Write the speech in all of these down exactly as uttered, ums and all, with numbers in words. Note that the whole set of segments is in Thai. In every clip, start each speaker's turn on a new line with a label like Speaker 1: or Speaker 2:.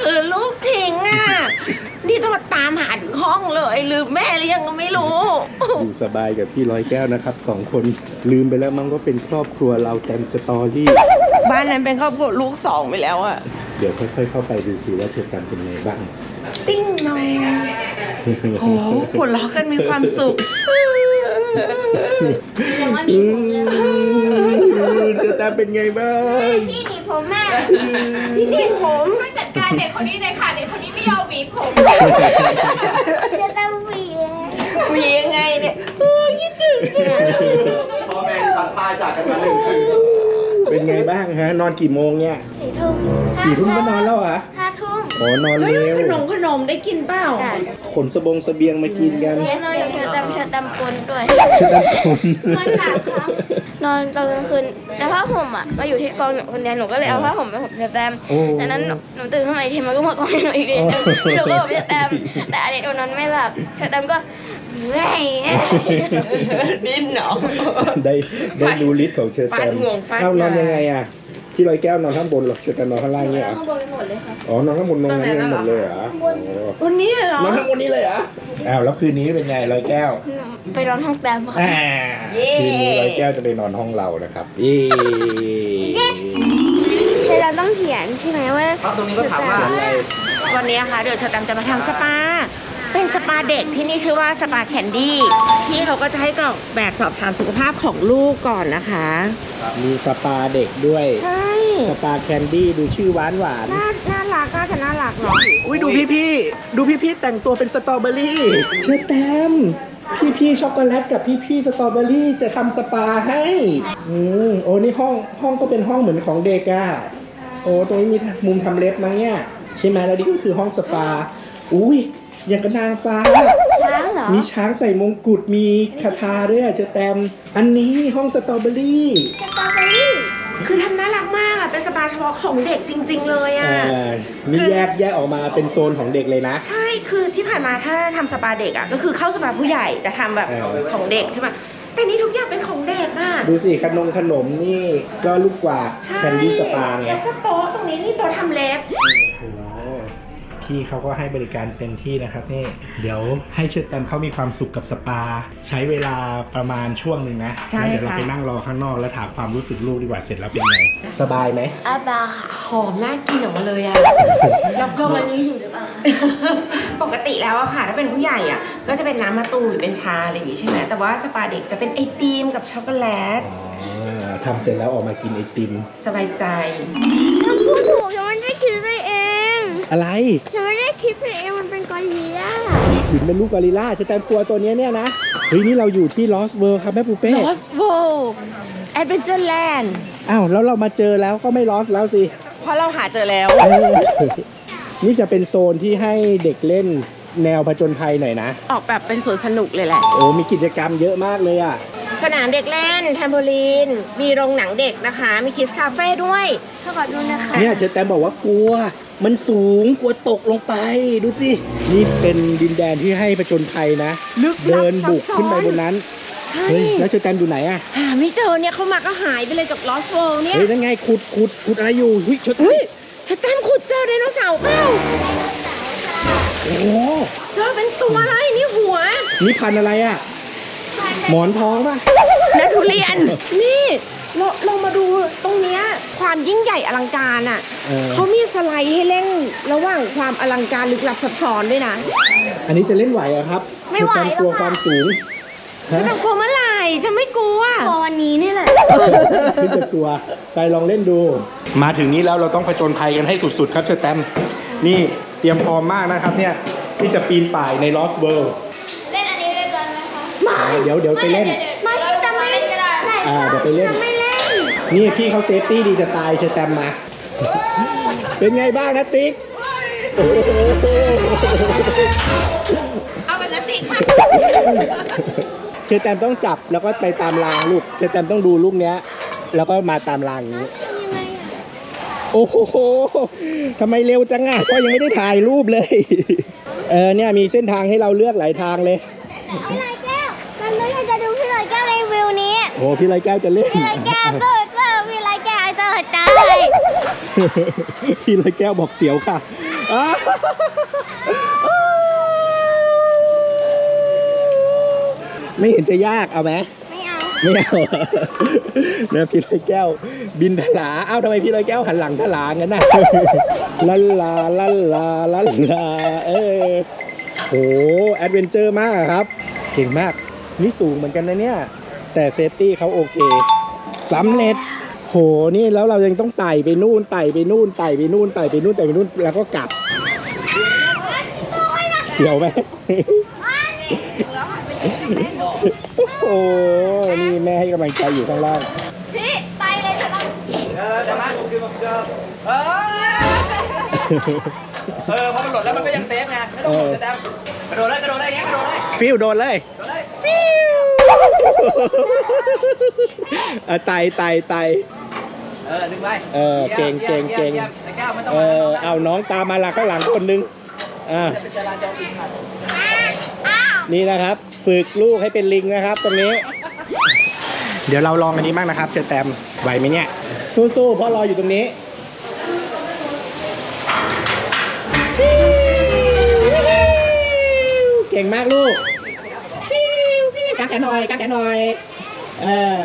Speaker 1: คือลูกทิ้งอ่ะนี่ต้องมาตามหาถึงห้องเลยลืมแม่หรือยังก็ไม่รู้
Speaker 2: อยู่สบายกับพี่ร้อยแก้วนะครับสองคนลืมไปแล้วมั้งว่าเป็นครอบครัวเราแตมสตอรี่
Speaker 1: บ้านนั้นเป็นครอบครัวลูกสองไปแล้วอ่ะ
Speaker 2: เดี๋ยวค่อยๆเข้าไปดูสิว่าเธอแตมเป็นไงบ้าง
Speaker 1: ติ้งนองโอ้โหหัวเราะกันมีความสุข
Speaker 3: ยังไม่มีผมเลย
Speaker 2: เธอแตมเป็นไงบ้าง
Speaker 3: พี่หนีผมแม่
Speaker 1: พี่หนีผม
Speaker 3: ช่วยจัดการเด็กคนนี้หน่อยค่ะเด็กคนนี้ไม่ยอมหวีผมจะต้องหวี
Speaker 1: หวียังไงเนี่ยเออคิดถึงจัง
Speaker 4: พ่อแม่ที่พัดพาจากกันมาหนึ่งคืน
Speaker 2: เป็นไงบ้างฮะนอนกี่โมงเนี่ย
Speaker 3: สี่ทุ่ม
Speaker 2: สี่ทุ่มก็นอนแล้วเหรอ
Speaker 3: ห้าทุ่ม
Speaker 2: โอ้นอนเร็ว
Speaker 1: ขนมขนมได้กินเปล่า
Speaker 2: ขนสบงเสบียงมากินกัน
Speaker 3: นอนอยู่เชือดำเชือดำกลด้วย
Speaker 2: เชือดำกล
Speaker 3: นอนสามครั้งนอนตอนกลางคืนแต่ผ้าห่มอ่ะมาอยู่ที่กองคนเดียวหนูก็เลยเอาผ้าห่มไปห่มเชือดำจากนั้นหนูตื่นขึ้นมาอีกทีมันก็มากองหนูอีกทีนึงหนูก็ห่มเชือดำแต่อันนี้หนูนอนไม่หลับเชือดำก็แม่
Speaker 1: ดิ้นเหรอ
Speaker 2: ได้ได้ดูลิสต์ของเชือดำเอานอนยังไงอ่ะพี่ร้อยแก้วนอนข้างบนหรอเชือดำนอนข้างล่างเนี่ย
Speaker 3: ข้างบนหมดเลยค่ะ
Speaker 2: อ๋อนอนข้างบนนอนข้างบนหมดเลยเหรอ
Speaker 1: วันนี้เหรอน
Speaker 2: อนข้างบนนี้เลยเหรออ้าวแล้วคืนนี้เป็นไงร้อยแก้ว
Speaker 3: ไปนอนห้องแต้มค่ะ
Speaker 2: คืนนี้ร้อยแก้วจะไปนอนห้องเรานะครับเย้
Speaker 3: ใช่เราต้องเขียนใช่ไหมว่า
Speaker 4: ตรงนี้ก็ถามว่า
Speaker 1: วันนี้ค่ะเดี๋ยวเชอตามจะมาทำสปาเป็นสปาเด็กที่นี่ชื่อว่าสปาแคนดี้ที่เขาก็จะให้กรอกแบบสอบถามสุขภาพของลูกก่อนนะคะ
Speaker 2: มีสปาเด็กด้วย
Speaker 1: ใช่
Speaker 2: สปาแคนดี้ดูชื่อหวานหวาน
Speaker 1: น่าน่ารักน่าจะน่ารักเนาะ
Speaker 2: อุ้ยดูพี่พี่ดูพี่พี่แต่งตัวเป็นสตรอเบอรี่เชื่อแต้มพี่พี่ช็อกโกแลตกับพี่พี่สตรอเบอรี่จะทำสปาให้อืมโอ้นี่ห้องห้องก็เป็นห้องเหมือนของเด็กอะโอ้ตรงนี้มีมุมทำเล็บมั้งเนี่ยใช่ไหมแล้วนี่ก็คือห้องสปาอุ้ยอย่างกับนางฟ้า
Speaker 3: ช้างเหรอ
Speaker 2: มีช้างใส่มงกุฎมีคาถาด้วยอ่ะเจอแตมอันนี้ห้องสตรอเบอรี่
Speaker 3: สตรอเบอรี่
Speaker 1: คือทำน่ารักมากอ่ะเป็นสปาเฉพาะของเด็กจริงๆเลยอ่ะ
Speaker 2: มีแยกแยกออกมาเป็นโซนของเด็กเลยนะ
Speaker 1: ใช่คือที่ผ่านมาถ้าทำสปาเด็กอ่ะก็คือเข้าสปาผู้ใหญ่แต่ทำแบบของเด็กใช่ไหมแต่นี่ทุกอย่างเป็นของเด็กอ่ะ
Speaker 2: ดูสิขนมขนมนี่ก็ลูกกว่าแคนดี้สปาไง
Speaker 1: แล้วก็โต๊ะตรงนี้นี่โต๊ะทำเล็บ
Speaker 2: พี่เขาก็ให้บริการเต็มที่นะครับนี่เดี๋ยวให้เชิญแตมเขามีความสุขกับสปาใช้เวลาประมาณช่วงหนึ่งนะแล้วเดี๋ยวเราไปนั่งรอข้างนอกแล้วถามความรู้สึกลูกดีกว่าเสร็จแล้วเป็นไงสบายไหม
Speaker 3: อาบา
Speaker 1: หอมน่ากินออกมาเลยอะแล้วก็
Speaker 3: วันนี้อยู่หรือเปล่า
Speaker 1: ปกติแล้วอะค่ะถ้าเป็นผู้ใหญ่อะก็จะเป็นน้ำมะตูมหรือเป็นชาอะไรอย่างงี้ใช่ไหมแต่ว่าสปาเด็กจะเป็นไอติมกับช็อกโกแลต
Speaker 2: ทำเสร็จแล้วออกมากินไอติม
Speaker 1: สบายใจ
Speaker 3: ฉันพูดถูกฉันไม่ได้คิดไปเอง
Speaker 2: อะไร
Speaker 3: ฉันไม่ได้คิดไปเองมันเป็นกอริลลา
Speaker 2: ถึงเป็นลูกกอริลลาจะแต่งตัวตัวนี้เนี่ยนะเฮ้ยนี่เราอยู่ที่ลอสเวิลด์ครับแม่ปูเป้
Speaker 1: ลอสเวิลด์แอดเวนเจอร์แลนด์
Speaker 2: อ้าวแล้วเรามาเจอแล้วก็ไม่ลอสแล้วสิ
Speaker 1: เพราะเราหาเจอแล้ว
Speaker 2: นี่จะเป็นโซนที่ให้เด็กเล่นแนวผจญภัยหน่อยนะ
Speaker 1: ออกแบบเป็นสวนสนุกเลยแหละ
Speaker 2: โอ้มีกิจกรรมเยอะมากเลยอ่ะ
Speaker 1: สนามเด็กเล่นแทมโบลีนมีโรงหนังเด็กนะคะมีคิสคาเฟ่ด้วย
Speaker 3: ขอดูนะคะ
Speaker 2: เนี่ยเชอแตมบอกว่ากลัวมันสูงกลัวตกลงไปดูสินี่เป็นดินแดนที่ให้ผจญภัยนะเดินบุกขึ้นไปบนนั้นเฮ้ยแล้วเชอแตมอยู่ไหนอ่ะ
Speaker 1: หาไม่เจอเนี่ยเขามาก็หายไปเลยจากลอสเวิลด์เนี่ย
Speaker 2: เฮ้ยนั่นไงขุดขุดขุดอะไรอยู่เฮ้ยเชอแตม
Speaker 1: เชอแตมขุดเจอไดโนเสาร์เปล่า
Speaker 2: โอ้
Speaker 1: เจอเป็นตัวอะไรนี่หัว
Speaker 2: นี่พันอะไรอ่ะหมอนทองป่ะ
Speaker 1: นักทุเรียนนี่เราเรามาดูตรงเนี้ยความยิ่งใหญ่อลังการอ่ะเขามีสไลด์ให้เล่นระหว่างความอลังการลึกลับซับซ้อนด้วยนะ
Speaker 2: อันนี้จะเล่นไหวเหรอครับ
Speaker 3: ไม่ไหว
Speaker 2: กลัวความสูง
Speaker 1: ฉันจะกลัวเมื่อไหร่ฉันไม่กลัว
Speaker 3: กลัววันนี้นี่แหละ
Speaker 2: พี่จะกลัวไปลองเล่นดูมาถึงนี้แล้วเราต้องผจญภัยกันให้สุดๆครับเชอแตมนี่เตรียมพร้อมมากนะครับเนี่ยที่จะปีนป่ายในลอสเวิลด์
Speaker 3: เล่นอันนี้ด้วยกันไหม
Speaker 2: คะเดี๋ยวเดี๋ยวไปเล่น
Speaker 3: ไม่จะไม่เล่นก็ได้
Speaker 2: อ่าเดี๋ยวไปเล่นนี่พี่เขาเซฟตี้ดีจะตายเชอแตมมาเป็นไงบ้างนะติ๊ก
Speaker 1: เอาแบบนั้นติ๊กมา
Speaker 2: เชอแตมต้องจับแล้วก็ไปตามรางลูกเชอแตมต้องดูลูกเนี้ยแล้วก็มาตามรางนี้โอ้โหทำไมเร็วจังอ่ะก็ยังไม่ได้ถ่ายรูปเลยเออเนี่ยมีเส้นทางให้เราเลือกหลายทางเลย
Speaker 3: พี่ลอยแก้วมันไม่ใช่จะดูพี่ลอยแก้วในวิวนี้
Speaker 2: โอ้พี่ลอยแก้วจะเล่น
Speaker 3: พี่ลอยแก้วเจอเจอพี่ลอยแก้วเจอใจ
Speaker 2: พี่ลอยแก้วบอกเสียวค่ะอ้าวไม่เห็นจะยากเอาไหม
Speaker 3: ไม่เอา
Speaker 2: ไม่เอาเนี่ยพี่ลอยแก้ว บินทลาเอ้าทำไมพี่ลอยแก้วหันหลังทลางั้นน่ะลันลาลันลาลันลาเออโหแอดเวนเจอร์มากอะครับ เก่งมากนี่สูงเหมือนกันนะเนี่ยแต่เซฟตี้เขาโอเคสำเร็จโหนี่แล้วเรายังต้องไต่ไปนู่นไต่ไปนู่นไต่ไปนู่นไต่ไปนู่นไต่ไปนู่นแล้วก็กลับเสียวไหมโอ้โหนี่แม่ให้กำลังใจอยู่ข้างล่าง
Speaker 3: พี่ไปเลยเถอะ
Speaker 4: เออจะมาคือบอกเชิญเออเออพอมันหล่นแล้วมันก็ยังเซฟไงไม่ต้องห่วงจะแต้มกระโดดเลยกระโดดเลยอย่างเงี้ยกระโดดเลย
Speaker 2: ฟิวโดนเลย
Speaker 4: กระโดดเลย
Speaker 2: ฟิวอ่ะไต่ไต่ไต่
Speaker 4: เออดึงไป
Speaker 2: เออเก่งเก่งเก่ง
Speaker 4: ไอ้แก้วไม่ต้อง
Speaker 2: เอ
Speaker 4: มา
Speaker 2: อเอาน้องตามมาละข้างหลังคนนึงอ่า
Speaker 4: เป็นจราจรอีกครับ
Speaker 2: นี่นะครับ ฝึกลูกให้เป็นลิงนะครับ ตรงนี้ เดี๋ยวเราลองอันนี้บ้างนะครับเชอแตมไหวไหมเนี่ยสู้ๆเพราะรออยู่ตรงนี้เก่งมากลูกกางแขนหน่อยกางแขนหน่อยเออ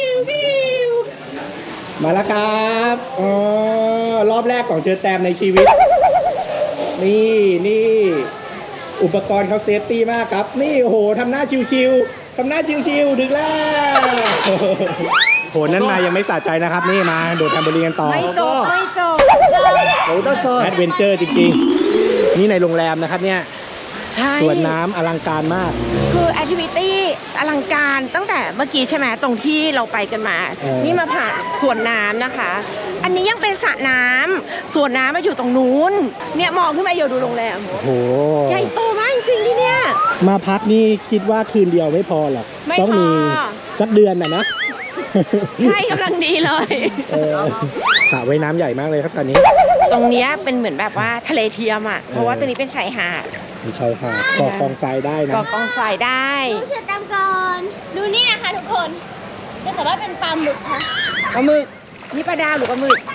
Speaker 2: มาแล้วครับอ๋อรอบแรกของเชอแตมในชีวิต นี่นี่อุปกรณ์เขาเซฟตี้มากครับ นี่โอ้โหทำหน้าชิวๆทำหน้าชิวๆดึกแล้วโหนั่นมายังไม่สะใจนะครับ นี่มาโดดแทมโบลีนกันต่อ
Speaker 1: ไม่จบไม่จบ
Speaker 2: โอ้ต้องโซนแอดเวนเจอร์จริงๆ นี่ในโรงแรมนะครับเนี่ย
Speaker 1: ใช่
Speaker 2: สวนน้ำอลังการมาก
Speaker 1: คือแอคทิวิตี้อลังการตั้งแต่เมื่อกี้ใช่ไหมตรงที่เราไปกันมา
Speaker 2: เออ
Speaker 1: นี่มาผ่านสวนน้ำนะคะ อันนี้ยังเป็นสระน้ำสวนน้ำมาอยู่ตรงนู้นเนี่ยมองขึ้นมาอยู่ดูโรงแรม
Speaker 2: โอ้โห
Speaker 1: ใหญ่โตมากจริงๆที่เนี่ย
Speaker 2: มาพักนี่คิดว่าคืนเดียวไม่พอหรอก
Speaker 1: ไม่
Speaker 2: ต้องมี
Speaker 1: พอ
Speaker 2: สักเดือนน่ะนะ
Speaker 1: ใช่กำลังดีเลย
Speaker 2: เออสระว่ายน้ำใหญ่มากเลยครับตอนนี้
Speaker 1: ตรงเนี้ยเป็นเหมือนแบบว่าทะเลเทียมอ่ะเพราะว่าตรงนี้เป็นชายหาด
Speaker 2: มีชายหาดเกาะกองทรายได้นะ
Speaker 1: ก่อกองทรายได้
Speaker 3: ดูเชือตามก่อนดูนี่นะคะทุกคนจะสามารถเป็นปลาหมึกค่ะ
Speaker 1: ปลาหมึกนี่ปลาดาวหรือปลาหมึก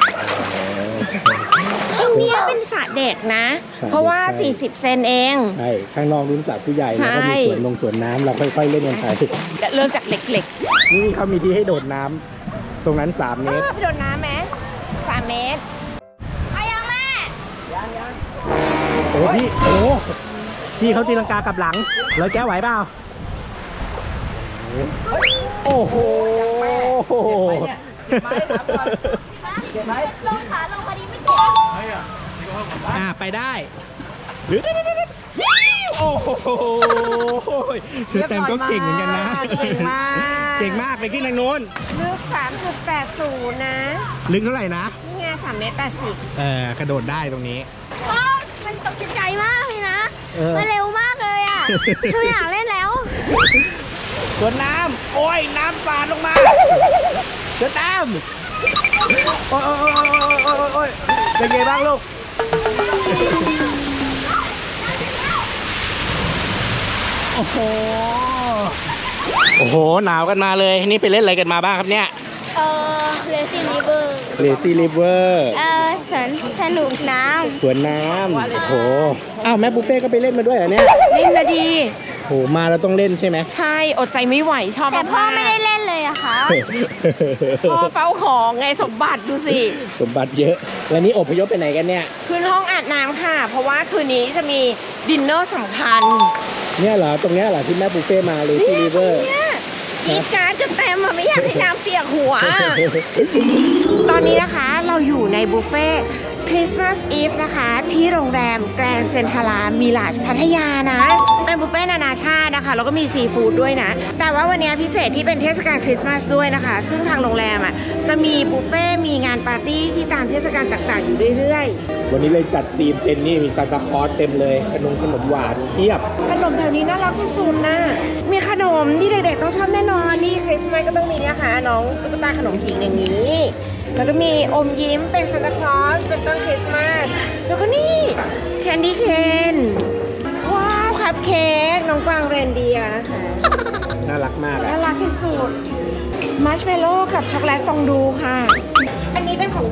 Speaker 1: ตรงเนี้ยเป็นสระเด็กนะ เพราะว่า สี่สิบ เซนเอง
Speaker 2: ใช่ข้างนอกรุ่นสระผู้ใหญ่
Speaker 1: ใช่
Speaker 2: แล้วก็มีสวนลงสวนน้ำเราค่อยๆเล่นกันไป
Speaker 1: เริ่มจากเล็ก
Speaker 2: นี่เขามีที่ให้โดดน้ำตรงนั้นสาม
Speaker 1: ๆ
Speaker 2: เม
Speaker 1: อ้า
Speaker 2: ตร
Speaker 1: วไปโดดน้ำไหมสามเมตร
Speaker 3: ไปยังแม่
Speaker 2: โอ้พี่โอ้พี่เขาตีลังกากลับหลังร้อยแก้วไหวเปล่าโอ้โห
Speaker 3: ลงขาลงพอดีไม่เจ็บ
Speaker 2: อ่าไปได้หรือโอ้โหเชอแตมก็เก่งเหมือนกันนะ
Speaker 1: เก่งมาก
Speaker 2: เก่งมากไปขึ้นทางโน้น
Speaker 1: ลึก สามจุดแปดศูนย์ นะ
Speaker 2: ลึกเท่าไหร่นะ
Speaker 1: นี่ไงสามเมตรแปดสิบ
Speaker 2: เออกระโดดได้ตรงนี้
Speaker 3: โอ้มันตกใจมากเลยนะ
Speaker 2: เออ
Speaker 3: มันเร็วมากเลยอ่ะคืออยากเล่นแล้ว
Speaker 2: สวนน้ำโอ้ยน้ำสาดลงมาเชอแตมโอ้ยโอ้ยโอ้ยโอ้ยโอ้ยโอ้ยเป็นไงบ้างลูกโอ้โหโอ้โหหนาวกันมาเลยนี่ไปเล่นอะไรกันมาบ้างครับเนี่ย
Speaker 3: เออเลซี่ริเวอร์
Speaker 2: เลซี่ริเวอร์
Speaker 3: เออสวนสนุกน้
Speaker 2: สวนน้ำโอ้โหอ้าวแม่ปูเป้ก็ไปเล่นมาด้วยเหรอเนี่ย
Speaker 1: เล่นนะดี
Speaker 2: โหมาแล้วต้องเล่นใช่ไหม
Speaker 1: ใช่ อดใจไม่ไหวชอบ
Speaker 3: ำแต่พ่อไม่ได้
Speaker 1: ก
Speaker 3: เล่นเลยอะคะ
Speaker 1: พ่อเฝ้าของไงสมบัติดูสิ
Speaker 2: สมบัติเยอะ แล้วนี่อพยพไปไหนกันเนี่ย
Speaker 1: ขึ้นห้องอาบน้ำค่ะ เพราะว่าคืนนี้จะมีดินเนอร์สำคัญ
Speaker 2: เนี่ยเหรอตรงเนี้ยเหรอที่แม่ปูเป้มาเลซี่ริเวอร์
Speaker 1: เนี่ยอีการดจะเต็มอะไม่อยากให้น้ำเปียกหัว ตอนนี้นะคะเราอยู่ในบุฟเฟ่คริสต์มาสอีฟนะคะ ที่โรงแรมแกรนด์เซ็นทรัลมิลาจพัทยานะ เป็นบุฟเฟ่นานาชาตินะคะแล้วก็มีซีฟู้ดด้วยนะ แต่ว่าวันนี้พิเศษที่เป็นเทศกาลคริสต์มาสด้วยนะคะ ซึ่งทางโรงแรมอ่ะจะมีบุฟเฟ่มีงานปาร์ตี้ที่ตามเทศกาลต่างๆ อยู่เรื่อยๆ
Speaker 2: วันนี้เลยจัดธีมเต็มนี่มีซานตาคลอสเต็มเลยขนมขนมหวานเทียบ
Speaker 1: ขนมแถวนี้น่ารักสุดๆนะ มีขนมที่เด็กๆต้องชอบแน่นอน นี่คริสต์มาสก็ต้องมีนะคะน้องตุ๊กตาขนมผิงอย่างนี้ แล้วก็มีอมยิ้มเป็นซานตาคลอสเป็นต้นคริสต์มาส แล้วก็นี่แคนดี้เคนว้าวคัพเค้กน้องกวางเรนเดียร์นะคะ
Speaker 2: น่ารักมากอะ
Speaker 1: น่ารักที่สุดมัชเมลโล่กับช็อกโกแลตฟองดูค่ะ อันนี้เป็นของเ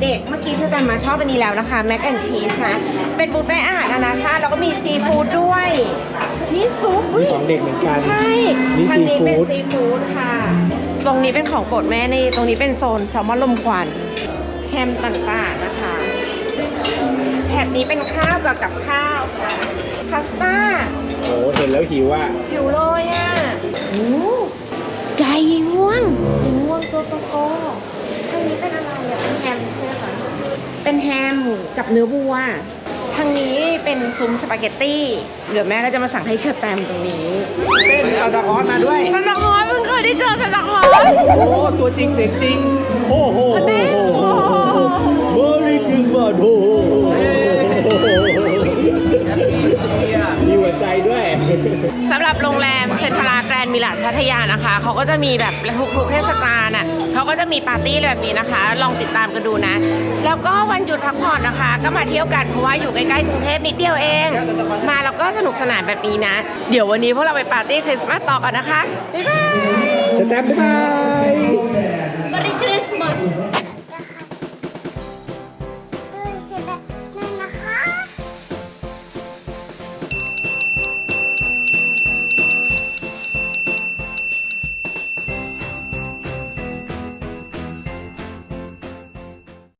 Speaker 1: ด็กๆ เมื่อกี้เชอร์แตมมาชอบอันนี้แล้วนะคะแม็กแอนชีสนะ เป็นบุฟเฟ่ต์อาหารนานาชาติแล้วก็มีซีฟู้ดด้วย นี่ซุป
Speaker 2: มีของเด็กเหมือนกัน
Speaker 1: ใช่
Speaker 2: นี่
Speaker 1: ทางนี้เป็น
Speaker 2: ซีฟู้ด
Speaker 1: ซีฟู้ดค่ะ ตรงนี้เป็นของโปรดแม่นี่ ตรงนี้เป็นโซนแซลมอนลมควันแฮมต่างๆนะคะแถบนี้เป็นข้าวกับกับข้าวค่ะพาสต้า
Speaker 2: โอ้เห็นแล้วหิวอ่ะ
Speaker 1: หิวเลยอ่ะโอ้ไก่ง่วงไก่ง่วงตัวโตโตทางนี้เป็นอะไรอ่ะเป็นแฮมใช่ไหมคะเป็นแฮมกับเนื้อวัวทางนี้เป็นซุ้มสปาเกตตี้เดี๋ยวแม่ก็จะมาสั่งให้เชอร์แตมตรงนี้
Speaker 2: เป็นเอาตะคอนมาด้วย
Speaker 1: ซันตาคลอสเพิ่งเคยได้เจอซันตาคลอส
Speaker 2: โอ้ ตัวจริงเด็กจริง โอ้โหเบอร์รี่คริสต์มาสโอ้มีหัวใจด้วย
Speaker 1: สำหรับโรงแรมเซ็นทรัลแกรนด์มิลาดพัทยานะคะเขาก็จะมีแบบทุกๆเทศกาลน่ะเขาก็จะมีปาร์ตี้แบบนี้นะคะ ลองติดตามกันดูนะ แล้วก็วันหยุดพักผ่อนนะคะ ก็มาเที่ยวกันเพราะว่าอยู่ใกล้ๆกรุงเทพนิดเดียวเอง มาแล้วก็สนุกสนานแบบนี้นะ เดี๋ยววันนี้พวกเราไปปาร์ตี้คริสต์มาสต่อกันนะคะบ๊ายบาย
Speaker 2: จะแต้มบ๊ายบาย
Speaker 3: Merry Christmas